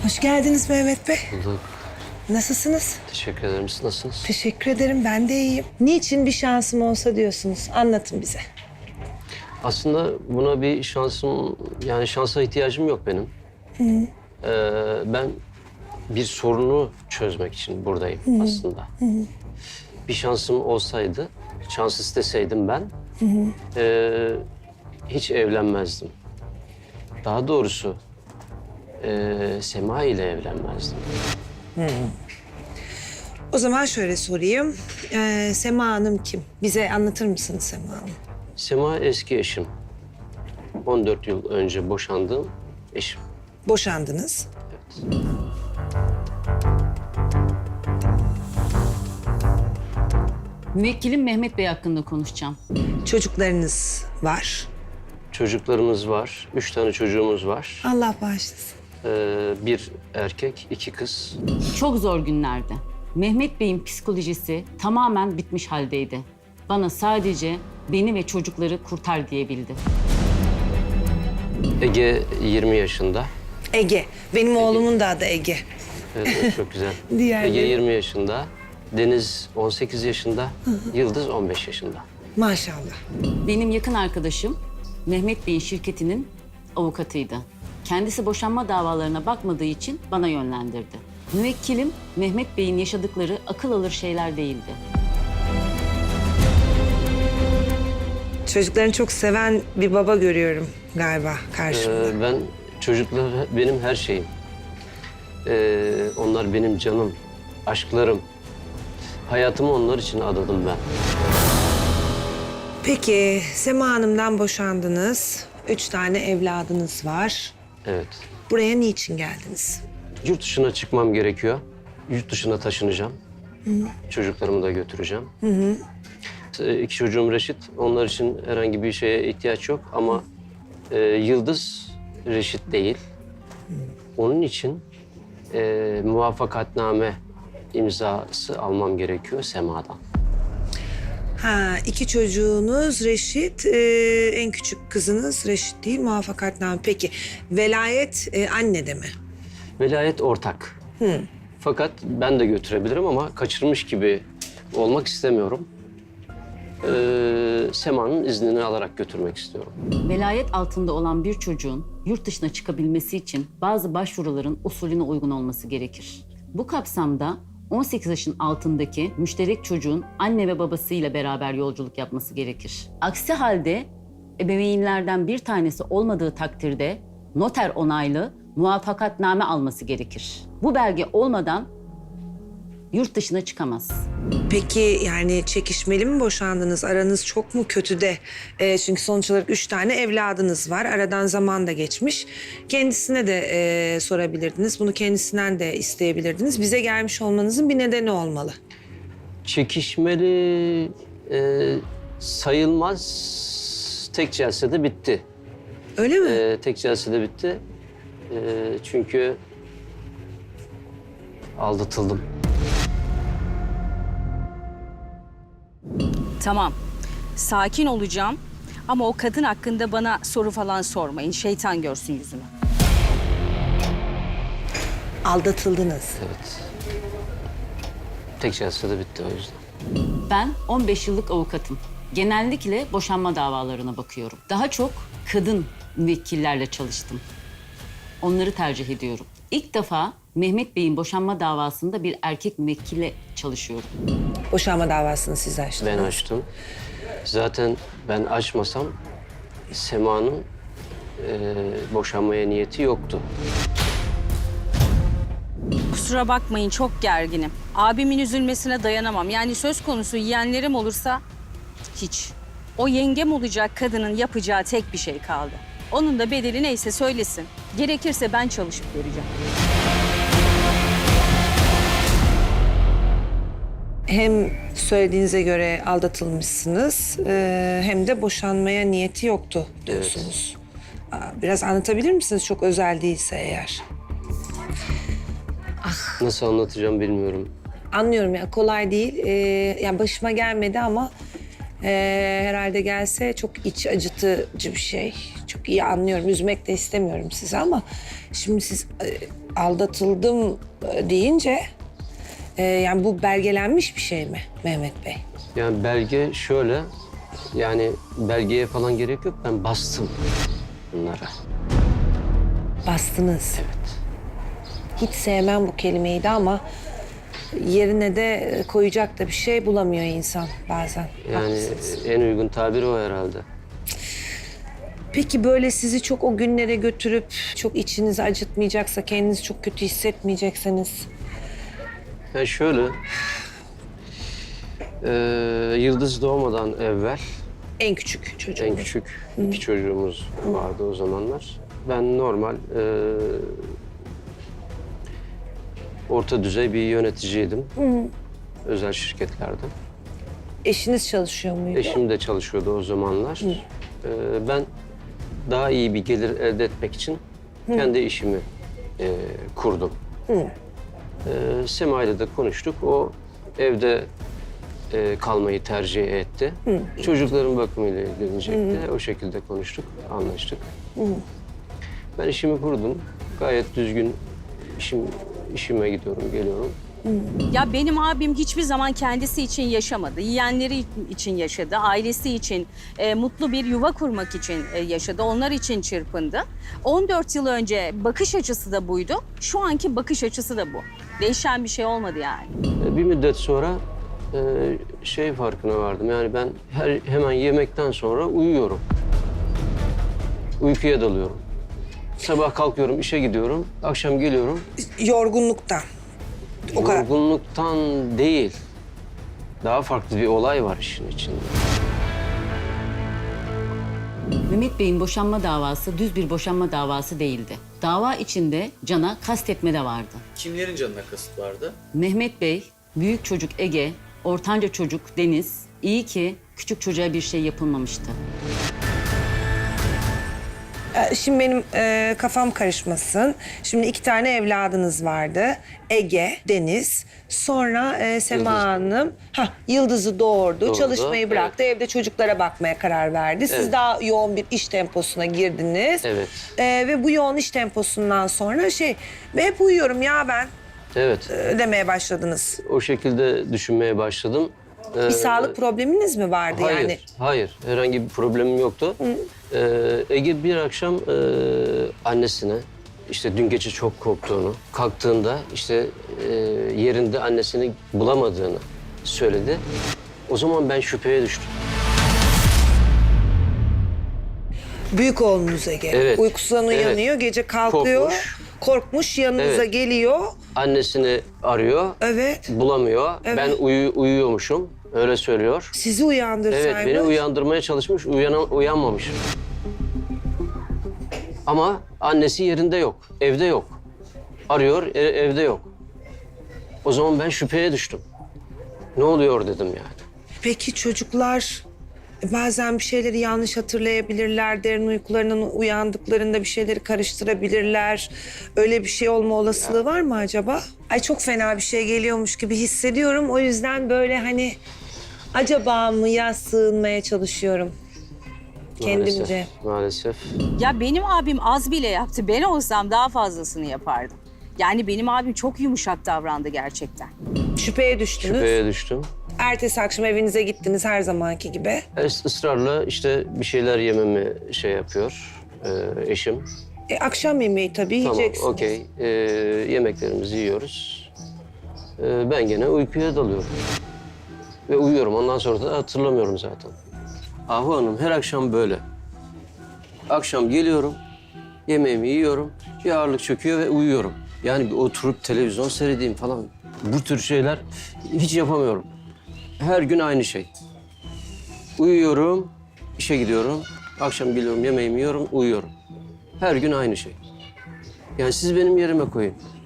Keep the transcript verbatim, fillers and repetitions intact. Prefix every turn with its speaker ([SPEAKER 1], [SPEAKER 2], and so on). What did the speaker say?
[SPEAKER 1] Hoş geldiniz Mehmet Bey.
[SPEAKER 2] Bulduk.
[SPEAKER 1] Nasılsınız?
[SPEAKER 2] Teşekkür ederim. Siz nasılsınız?
[SPEAKER 1] Teşekkür ederim, ben de iyiyim. Niçin bir şansım olsa diyorsunuz? Anlatın bize.
[SPEAKER 2] Aslında buna bir şansım, yani şansa ihtiyacım yok benim. Hı. Ee, ben bir sorunu çözmek için buradayım Hı. aslında. Hı. Bir şansım olsaydı, şans isteseydim ben, Hı. E, hiç evlenmezdim. Daha doğrusu e, Sema ile evlenmezdim.
[SPEAKER 1] Hı. O zaman şöyle sorayım. Ee, Sema Hanım kim? Bize anlatır mısınız Sema Hanım?
[SPEAKER 2] Sema eski eşim. on dört yıl önce boşandığım eşim.
[SPEAKER 1] Boşandınız.
[SPEAKER 2] Evet.
[SPEAKER 3] Müvekkilim Mehmet Bey hakkında konuşacağım.
[SPEAKER 1] Çocuklarınız var.
[SPEAKER 2] Çocuklarımız var. Üç tane çocuğumuz var.
[SPEAKER 1] Allah bağışlasın.
[SPEAKER 2] Ee, bir erkek, iki kız.
[SPEAKER 3] Çok zor günlerde. Mehmet Bey'in psikolojisi tamamen bitmiş haldeydi. Bana sadece beni ve çocukları kurtar diyebildi.
[SPEAKER 2] Ege yirmi yaşında.
[SPEAKER 1] Ege. Benim oğlumun da adı Ege.
[SPEAKER 2] Evet, evet, çok güzel.
[SPEAKER 1] Diğerleri?
[SPEAKER 2] Ege yirmi yaşında. Deniz on sekiz yaşında. Yıldız on beş yaşında.
[SPEAKER 1] Maşallah.
[SPEAKER 3] Benim yakın arkadaşım Mehmet Bey'in şirketinin avukatıydı. Kendisi boşanma davalarına bakmadığı için bana yönlendirdi. Müvekkilim Mehmet Bey'in yaşadıkları akıl alır şeyler değildi.
[SPEAKER 1] Çocuklarını çok seven bir baba görüyorum galiba karşımda.
[SPEAKER 2] Ee, ben çocuklar benim her şeyim. Ee, onlar benim canım, aşklarım. Hayatımı onlar için adadım ben.
[SPEAKER 1] Peki Sema Hanım'dan boşandınız. Üç tane evladınız var.
[SPEAKER 2] Evet.
[SPEAKER 1] Buraya niçin geldiniz?
[SPEAKER 2] Yurt dışına çıkmam gerekiyor. Yurt dışına taşınacağım. Hı. Çocuklarımı da götüreceğim. Hı hı. İki çocuğum reşit. Onlar için herhangi bir şeye ihtiyaç yok ama e, Yıldız reşit değil. Hı. Onun için e, muvaffakatname imzası almam gerekiyor Sema'dan.
[SPEAKER 1] Ha, iki çocuğunuz reşit, e, en küçük kızınız reşit değil, muvaffakatname. Peki, velayet e, annede mi?
[SPEAKER 2] Velayet ortak.
[SPEAKER 1] Hı.
[SPEAKER 2] Fakat ben de götürebilirim ama kaçırmış gibi olmak istemiyorum. Ee, Sema'nın iznini alarak götürmek istiyorum.
[SPEAKER 3] Velayet altında olan bir çocuğun yurt dışına çıkabilmesi için bazı başvuruların usulüne uygun olması gerekir. Bu kapsamda on sekiz yaşın altındaki müşterek çocuğun anne ve babasıyla beraber yolculuk yapması gerekir. Aksi halde ebeveynlerden bir tanesi olmadığı takdirde noter onaylı muvaffakatname alması gerekir. Bu belge olmadan yurt dışına çıkamaz.
[SPEAKER 1] Peki yani çekişmeli mi boşandınız? Aranız çok mu kötü de? E, çünkü sonuç olarak üç tane evladınız var. Aradan zaman da geçmiş. Kendisine de e, sorabilirdiniz. Bunu kendisinden de isteyebilirdiniz. Bize gelmiş olmanızın bir nedeni olmalı.
[SPEAKER 2] Çekişmeli e, sayılmaz. Tek celsede bitti.
[SPEAKER 1] Öyle mi?
[SPEAKER 2] E, tek celsede bitti. E, çünkü aldatıldım.
[SPEAKER 4] Tamam, sakin olacağım ama o kadın hakkında bana soru falan sormayın. Şeytan görsün yüzümü.
[SPEAKER 1] Aldatıldınız.
[SPEAKER 2] Evet. Tek celsede bitti o yüzden.
[SPEAKER 3] Ben on beş yıllık avukatım. Genellikle boşanma davalarına bakıyorum. Daha çok kadın müvekkillerle çalıştım. Onları tercih ediyorum. İlk defa Mehmet Bey'in boşanma davasında bir erkek müvekkille çalışıyorum.
[SPEAKER 1] Boşanma davasını siz açtınız.
[SPEAKER 2] Ben açtım. Zaten ben açmasam Sema'nın e, boşanmaya niyeti yoktu.
[SPEAKER 4] Kusura bakmayın, çok gerginim. Abimin üzülmesine dayanamam. Yani söz konusu yeğenlerim olursa hiç. O yengem olacak kadının yapacağı tek bir şey kaldı. Onun da bedeli neyse söylesin. Gerekirse ben çalışıp vereceğim.
[SPEAKER 1] Hem söylediğinize göre aldatılmışsınız e, hem de boşanmaya niyeti yoktu diyorsunuz. Aa, biraz anlatabilir misiniz çok özel değilse eğer?
[SPEAKER 2] Nasıl anlatacağım bilmiyorum.
[SPEAKER 1] Anlıyorum ya, kolay değil. Ee, yani başıma gelmedi ama Ee, herhalde gelse çok iç acıtıcı bir şey. Çok iyi anlıyorum. Üzmek de istemiyorum sizi ama şimdi siz e, aldatıldım e, deyince e, yani bu belgelenmiş bir şey mi Mehmet Bey?
[SPEAKER 2] Yani belge şöyle, yani belgeye falan gerek yok. Ben bastım bunlara.
[SPEAKER 1] Bastınız. Hiç sevmem bu kelimeyi de ama yerine de koyacak da bir şey bulamıyor insan bazen.
[SPEAKER 2] Yani
[SPEAKER 1] Haklısınız.
[SPEAKER 2] en uygun tabir o herhalde.
[SPEAKER 1] Peki böyle sizi çok o günlere götürüp çok içinizi acıtmayacaksa, kendinizi çok kötü hissetmeyecekseniz
[SPEAKER 2] Yani şöyle, e, Yıldız doğmadan evvel
[SPEAKER 1] en küçük çocuğum.
[SPEAKER 2] en küçük iki çocuğumuz vardı o zamanlar. Ben normal e, orta düzey bir yöneticiydim. Özel şirketlerde.
[SPEAKER 1] Eşiniz çalışıyor muydu?
[SPEAKER 2] Eşim de çalışıyordu o zamanlar. E, ben daha iyi bir gelir elde etmek için kendi işimi e, kurdum. E, Sema ile de konuştuk. O evde e, kalmayı tercih etti. Çocukların bakımıyla ilgilenecekti. O şekilde konuştuk, anlaştık. Ben işimi kurdum. Gayet düzgün işim işime gidiyorum, geliyorum.
[SPEAKER 4] Ya benim abim hiçbir zaman kendisi için yaşamadı. Yeğenleri için yaşadı, ailesi için, e, mutlu bir yuva kurmak için e, yaşadı. Onlar için çırpındı. on dört yıl önce bakış açısı da buydu. Şu anki bakış açısı da bu. Değişen bir şey olmadı yani.
[SPEAKER 2] E, bir müddet sonra e, şey farkına vardım. Yani ben her hemen yemekten sonra uyuyorum. Uykuya dalıyorum. Sabah kalkıyorum, işe gidiyorum. Akşam geliyorum.
[SPEAKER 1] Yorgunluktan. O kadar.
[SPEAKER 2] Yorgunluktan değil. Daha farklı bir olay var işin içinde.
[SPEAKER 3] Mehmet Bey'in boşanma davası düz bir boşanma davası değildi. Dava içinde Can'a kastetme de vardı.
[SPEAKER 5] Kimlerin canına kasıt vardı?
[SPEAKER 3] Mehmet Bey, büyük çocuk Ege, ortanca çocuk Deniz, iyi ki küçük çocuğa bir şey yapılmamıştı.
[SPEAKER 1] Ee, Şimdi benim e, kafam karışmasın. Şimdi iki tane evladınız vardı. Ege, Deniz. Sonra e, Sema
[SPEAKER 2] Yıldız.
[SPEAKER 1] Hanım ha, Yıldız'ı doğurdu.
[SPEAKER 2] Doğurdu,
[SPEAKER 1] Çalışmayı bıraktı. Evde çocuklara bakmaya karar verdi. Siz
[SPEAKER 2] Evet.
[SPEAKER 1] daha yoğun bir iş temposuna girdiniz.
[SPEAKER 2] Evet.
[SPEAKER 1] Ee, ve bu yoğun iş temposundan sonra şey ve hep uyuyorum ya ben
[SPEAKER 2] Evet,
[SPEAKER 1] e, demeye başladınız.
[SPEAKER 2] o şekilde düşünmeye başladım.
[SPEAKER 1] Bir
[SPEAKER 2] Ee,
[SPEAKER 1] sağlık probleminiz mi vardı
[SPEAKER 2] Hayır,
[SPEAKER 1] yani?
[SPEAKER 2] hayır. Herhangi bir problemim yoktu. Ee, Ege bir akşam e, annesine, işte dün gece çok korktuğunu, kalktığında işte e, yerinde annesini bulamadığını söyledi. O zaman ben şüpheye düştüm.
[SPEAKER 1] Büyük oğlunuz Ege.
[SPEAKER 2] Evet,
[SPEAKER 1] Uykusundan
[SPEAKER 2] evet.
[SPEAKER 1] uyanıyor, gece kalkıyor.
[SPEAKER 2] Korkmuş.
[SPEAKER 1] Korkmuş, yanınıza
[SPEAKER 2] Evet.
[SPEAKER 1] geliyor.
[SPEAKER 2] Annesini arıyor,
[SPEAKER 1] Evet.
[SPEAKER 2] bulamıyor.
[SPEAKER 1] Evet.
[SPEAKER 2] Ben uyu, uyuyormuşum, öyle söylüyor.
[SPEAKER 1] Sizi uyandırsaymış.
[SPEAKER 2] Evet, beni uyandırmaya çalışmış, uyana, uyanmamış. Ama annesi yerinde yok, evde yok. Arıyor, e- evde yok. O zaman ben şüpheye düştüm. Ne oluyor dedim yani.
[SPEAKER 1] Peki çocuklar bazen bir şeyleri yanlış hatırlayabilirler. Derin uykularından uyandıklarında bir şeyleri karıştırabilirler. Öyle bir şey olma olasılığı var mı acaba? Ay çok fena bir şey geliyormuş gibi hissediyorum. O yüzden böyle hani acaba mıya sığınmaya çalışıyorum. Kendimce.
[SPEAKER 2] Maalesef, maalesef.
[SPEAKER 4] Ya benim abim az bile yaptı. Ben olsam daha fazlasını yapardım. Yani benim abim çok yumuşak davrandı gerçekten.
[SPEAKER 1] Şüpheye düştünüz.
[SPEAKER 2] Şüpheye düştüm.
[SPEAKER 1] Ertesi akşam evinize gittiniz her zamanki gibi.
[SPEAKER 2] Es- ısrarla işte bir şeyler yememi şey yapıyor e, eşim.
[SPEAKER 1] E, akşam yemeği tabii
[SPEAKER 2] Tamam,
[SPEAKER 1] yiyeceksiniz.
[SPEAKER 2] okey. E, yemeklerimizi yiyoruz. E, ben gene uykuya dalıyorum. Ve uyuyorum. Ondan sonra da hatırlamıyorum zaten. Ahu Hanım her akşam böyle. Akşam geliyorum, yemeğimi yiyorum, bir ağırlık çöküyor ve uyuyorum. Yani bir oturup televizyon seyredeyim falan. Bu tür şeyler hiç yapamıyorum. Her gün aynı şey. Uyuyorum, işe gidiyorum, akşam geliyorum, yemeğimi yiyorum, uyuyorum. Her gün aynı şey. Yani siz benim yerime koyun.